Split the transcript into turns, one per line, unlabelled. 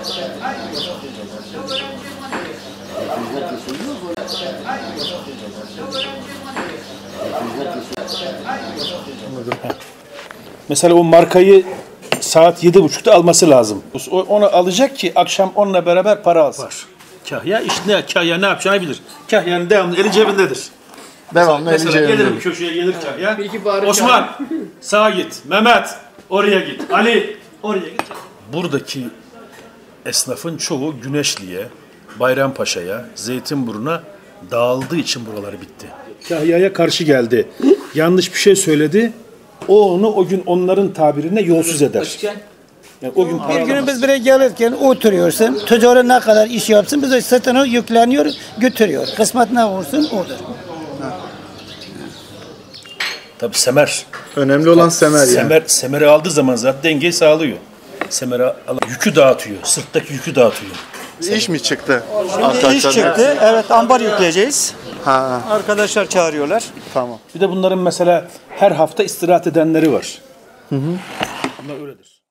Mesela o markayı saat 7.30'da alması lazım. Onu alacak ki akşam onunla beraber para alsın. Var. Kahya işte kahya ne yapacağını bilir. Kahyanın devamlı eli cebindedir.
Devamlı eli cebindedir.
Gelir bir köşeye gelir kahya. Osman sağa git. Mehmet oraya git. Ali oraya git. Buradaki esnafın çoğu Güneşli'ye, Bayrampaşa'ya, Zeytinburnu'na dağıldığı için buraları bitti. Kahya'ya karşı geldi. Yanlış bir şey söyledi. Onu o gün onların tabirine yolsuz eder. Yani o gün
bir gün biz buraya gelirken oturuyorsun. Tüccarı ne kadar iş yapsın bize sırtına yükleniyor, götürüyor. Kısmet ne olursun odur.
Tabii semer.
Önemli olan semer yani.
Semeri aldığı zaman zaten dengeyi sağlıyor. Yükü dağıtıyor. Sırttaki yükü dağıtıyor.
İş mi çıktı?
Şimdi iş çıktı. Evet, ambar yükleyeceğiz.
Ha.
Arkadaşlar çağırıyorlar.
Tamam.
Bir de bunların mesela her hafta istirahat edenleri var. Bunlar öyledir.